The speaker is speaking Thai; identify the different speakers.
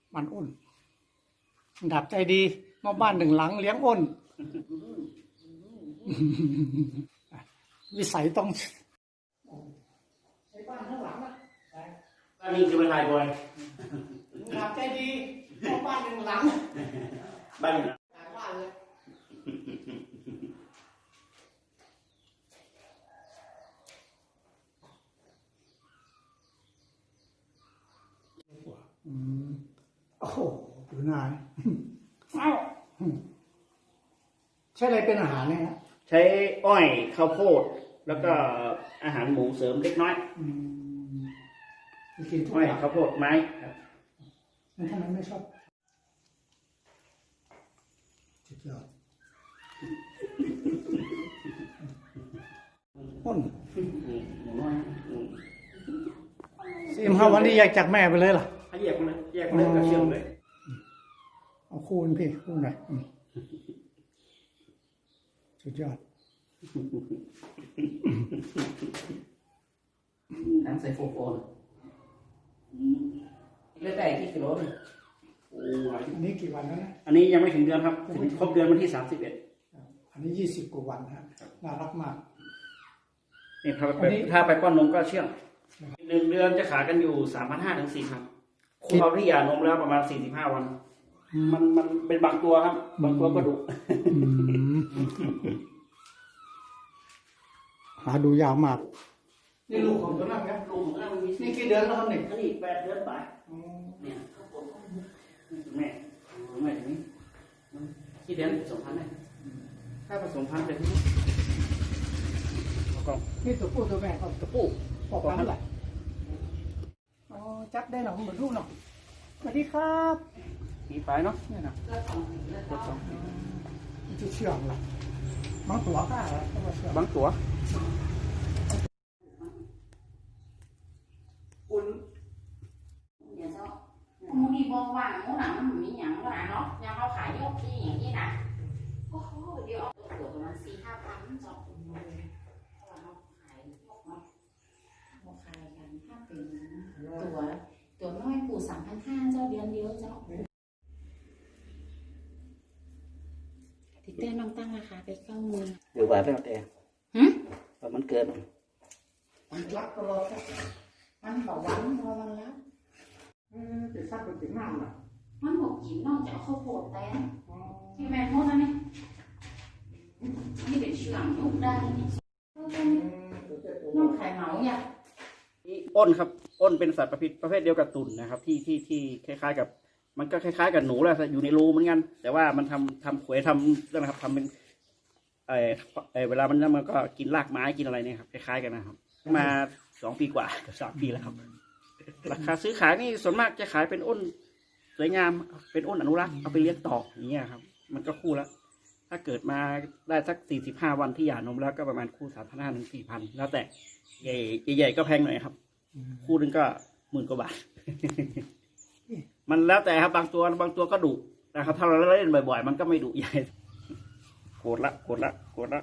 Speaker 1: มันอ้นดับใจดีมาบ้านหนึ่งหลังเลี้ยงอ้น วิสัยต้องใช้บ้านข้างหลังนะ
Speaker 2: อันนี้คือเป็นลายบอย
Speaker 1: ดับใจดีมาบ้านหนึ่งหลัง
Speaker 2: บ้าน
Speaker 1: หลังบ้านเลยโอ้โหดูนานอ้าวใช้อะไรเป็นอาหารเนี่ยฮะ
Speaker 2: ใช้อ้อยข้าวโพดแล้วก็อาหารหมูเสริมเล็กน้อย
Speaker 1: กินทุก
Speaker 2: อ้อย
Speaker 1: อย่าง
Speaker 2: ข้าวโพดไม้
Speaker 1: มันทำไมไม่ชอบสุดยอดอ้น45 วันนี้แยกจากแม่ไปเลยล่ะ
Speaker 2: แยกเลยแยกเลยกับเชื่อมเลย
Speaker 1: เอาคูณพี่คูณหน่อยสุดยอด
Speaker 2: น้ำใส่โฟนเลือกได้ที่กิโลนึง
Speaker 1: อันนี้กี่วันแล้วนะ
Speaker 2: อันนี้ยังไม่ถึงเดือนครับถึงครบเดือนวันที่31
Speaker 1: อันนี้20 กว่าวันนะน่ารักมาก
Speaker 2: นี่ถ้าไปป้อนนมก็เชื่อง1 เดือนจะขายกันอยู่ 3,500 ถึง 4,000คุณเอาที่ยานมแล้วประมาณ45 วันมันเป็นบางตัวครับบางตัวก็ดุ
Speaker 1: หาดูยาวมากนี่ลูกของตัวนั้นครับ
Speaker 2: ลูกของตัวนั้นมี
Speaker 1: นี่กี่เดือนแล้วครับเนี่ย
Speaker 2: อันนี้8 เดือนไปเนี่ยแม่ตรงนี้กี่เดือน2,000เลยถ้าผสมพันธุ์เลย
Speaker 1: นี่ตัวผู้ตัวแม่ก็
Speaker 2: ตัวผู้
Speaker 1: ออกมาเท่าไหร่อ๋อจับได้หนอเหมือนลูกหนอสวัสดีครับ
Speaker 2: มีไฟเนาะ
Speaker 1: นี่นะจะเชื่องล่ะบางตัวก็
Speaker 2: บางตัว
Speaker 3: มูนี่บอกว่ามูหนังมันมีอย่างก็นะเนาะยังเขาขายยกที่อย่างนี้นะโอ้โหเดี๋ยวตัวประมาณ4-5 พันจอกเพราะว่าเขาขายยกเนาะเขาขายกันถ้าเป็นตัวน้อยปู่3,500เจ้าเดือนเดียวเจ้าติดเต้นน้องตั้งราคาไป90,000
Speaker 2: เดี๋ยวบาทแล้วแต่มันเกิน
Speaker 1: มันรักตลอด
Speaker 3: มันบอกวันพอมันรับ
Speaker 1: จะซักเป็นถึงน้ำน่ะ
Speaker 3: มันบอกกินนอกจากข้าวโพดแต่ที่แม่โทษนะนี่นี่เป็นเชื่องยุกได้นี่น้องไข่เหมาเนี่ย
Speaker 2: อ้นครับอ้นเป็นสัตว์ประเภทเดียวกับตุ่นนะครับที่คล้ายๆกับมันก็คล้ายๆกับหนูแหละอยู่ในรูเหมือนกันแต่ว่ามันทำขวยทำนะครับทำเป็นเวลามันก็กินรากไม้กินอะไรเนี่ยครับคล้ายๆกันนะครับมา2 ปีกว่ากับ3 ปีแล้วครับราคาซื้อขายนี่ส่วนมากจะขายเป็นอ้นสวยงามเป็นอ้นอนุรักษ์เอาไปเลี้ยงต่ออย่างเงี้ยครับมันก็คู่แล้วถ้าเกิดมาได้สัก45 วันที่หย่านมแล้วก็ประมาณคู่3,500 ถึง 4,000แล้วแต่ใหญ่ก็แพงหน่อยครับคู่นึงก็10,000 กว่าบาทมันแล้วแต่ครับบางตัวก็ดุนะครับถ้าเราเล่นบ่อยๆมันก็ไม่ดุใหญ่โกรธละ